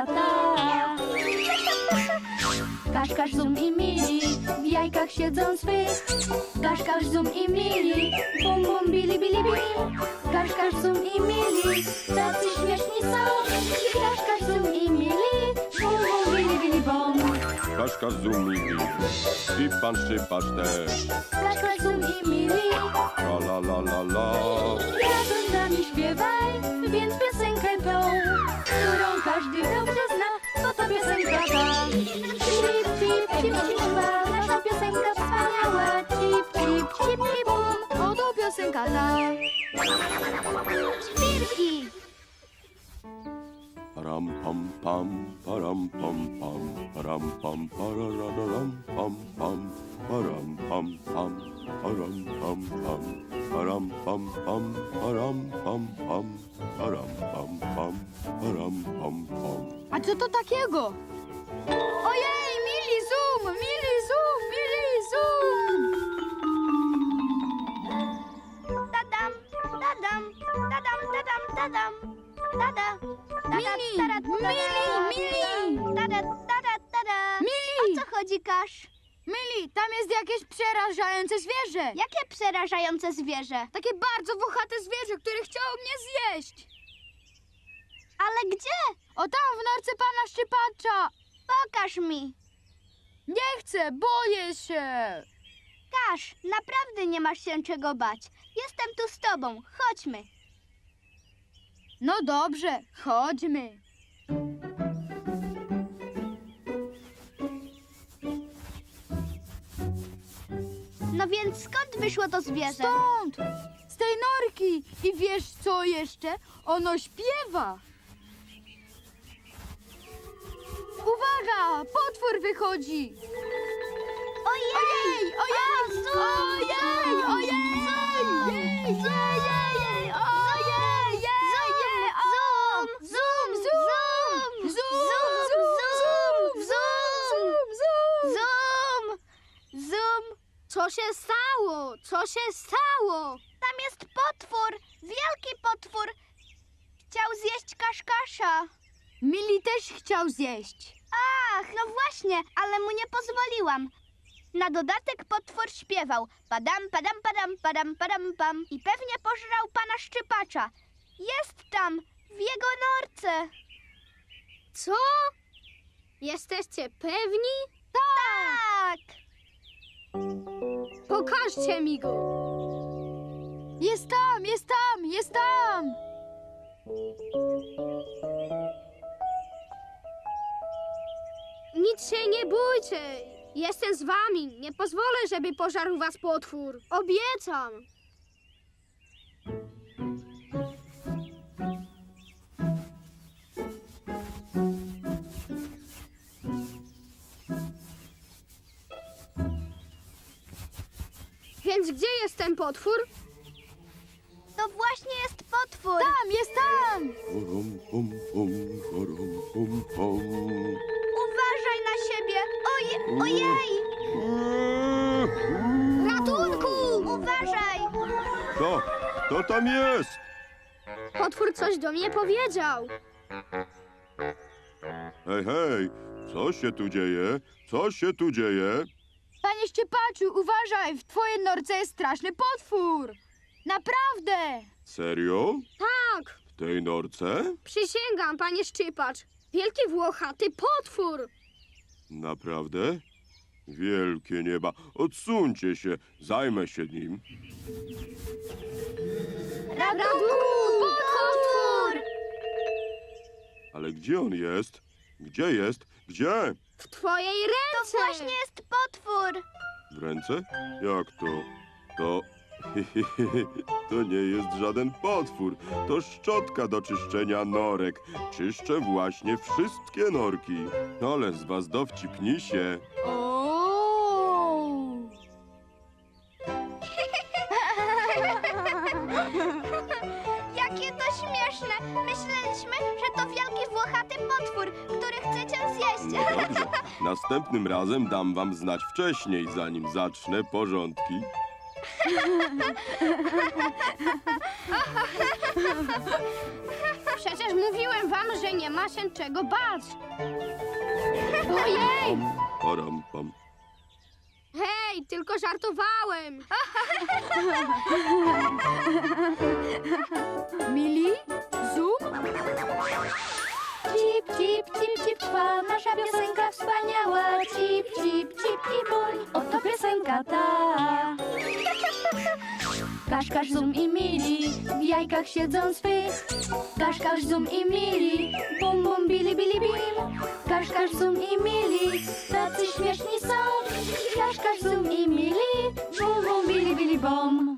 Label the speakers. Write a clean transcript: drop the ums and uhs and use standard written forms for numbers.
Speaker 1: tata. Kaszkasz, Zum i Mili w jajkach siedzą swych. Kaszkasz, Zum i Mili, bum bum bili bili bim. Kaszkasz, Zum i Mili, tacy śmieszni są. Kaszkasz, Zum i Mili, bum bum bili bili bum.
Speaker 2: Kaszkasz, Zum i Mili, i pan Szczypacz też.
Speaker 1: Kaszkasz, Zum i Mili,
Speaker 2: La la la la la.
Speaker 1: razem z nami śpiewaj, więc piosenkę tą, którą każdy dobrze zna, bo to piosenka ta. Cip, cip, cip, cipa, nasza piosenka wspaniała. Cip, cip, cip, cip, bum, oto piosenka ta. Świrki!
Speaker 2: Param pam pam, param pam pam, param pam parararam pam pam, param pam pam, param pam pam, param pam pam, param pam pam, param pam pam, param pam pam.
Speaker 1: A co to takiego? Ojej, Mili Zum, Mili Zum, Mili Zum!
Speaker 3: Tadam, tadam, tadam, tadam, tadam. Tada,
Speaker 1: Mili, Mili,
Speaker 3: tada, tada, tada.
Speaker 1: Mili!
Speaker 3: O co chodzi, Kasz?
Speaker 1: Mili, tam jest jakieś przerażające zwierzę.
Speaker 3: Jakie przerażające zwierzę?
Speaker 1: Takie bardzo włochate zwierzę, które chciało mnie zjeść.
Speaker 3: Ale gdzie?
Speaker 1: O tam, w norce pana Szczypacza.
Speaker 3: Pokaż mi.
Speaker 1: Nie chcę, boję się.
Speaker 3: Kasz, naprawdę nie masz się czego bać. Jestem tu z tobą. Chodźmy.
Speaker 1: No dobrze, chodźmy.
Speaker 3: No więc skąd wyszło to zwierzę?
Speaker 1: Stąd, z tej norki. I wiesz co jeszcze? Ono śpiewa. Uwaga, potwór wychodzi.
Speaker 3: Ojej!
Speaker 1: Ojej, ojej, ojej, ojej, ojej, ojej,
Speaker 3: Zum! Zum! Zum! Zum! Zum! Zum! Zum! Co się stało? Co się stało? Tam jest potwór! Wielki potwór! Chciał zjeść Kaszkasza.
Speaker 1: Mili też chciał zjeść.
Speaker 3: Ach, no właśnie, ale mu nie pozwoliłam. Na dodatek potwór śpiewał padam, padam, padam, padam, padam, pam i pewnie pożrał pana Szczypacza. Jest tam, w jego norce. Co? Jesteście pewni? Tak! Pokażcie mi go.
Speaker 1: Jest tam, jest tam, jest tam.
Speaker 3: Nic się nie bójcie. Jestem z wami. Nie pozwolę, żeby pożarł was potwór. Obiecam. Więc gdzie jest ten potwór? To właśnie jest potwór.
Speaker 1: Tam, jest tam.
Speaker 2: Param pam pam, param pam pam.
Speaker 3: Uważaj na siebie. Ojej! Ratunku! Uważaj!
Speaker 2: Kto tam jest?
Speaker 3: Potwór coś do mnie powiedział.
Speaker 2: Hej, hej, co się tu dzieje? Co się tu dzieje?
Speaker 1: Panie Szczypaczu, uważaj, w twojej norce jest straszny potwór. Naprawdę.
Speaker 2: Serio?
Speaker 3: Tak,
Speaker 2: W tej norce?
Speaker 3: przysięgam, panie Szczypacz. Wielki włochaty potwór.
Speaker 2: Naprawdę? Wielkie nieba, odsuńcie się, zajmę się nim.
Speaker 3: Ratunku! Potwór!
Speaker 2: Ale gdzie on jest? Gdzie jest? Gdzie?
Speaker 3: W twojej ręce! To właśnie jest potwór.
Speaker 2: W ręce? Jak to? To... To nie jest żaden potwór. To szczotka do czyszczenia norek. Czyszczę właśnie wszystkie norki. Ale z was dowcipnisie.
Speaker 1: O!
Speaker 3: Jakie to śmieszne! Myśleliśmy, że to wielki włochaty potwór, który chce cię zjeść.
Speaker 2: No dobrze. Następnym razem dam wam znać wcześniej, zanim zacznę porządki.
Speaker 1: Przecież mówiłem wam, że nie ma się czego bać. Ojej!
Speaker 2: Pam, param, pam.
Speaker 1: Hej, tylko żartowałem. Mili? Zoom?
Speaker 3: Cip, cip, cip, cip, trwa nasza piosenka wspaniała. Cip, cip, cip i bum, oto piosenka ta. Kasz, kasz, zum i mili, w jajkach siedzą swych. Kasz, kasz, zum i mili, bum, bum, bili, bili, bim. Kasz, kasz, zum i mili, tacy śmieszni są. Kasz, kasz, zum i mili, bum, bum, bili, bili, bom.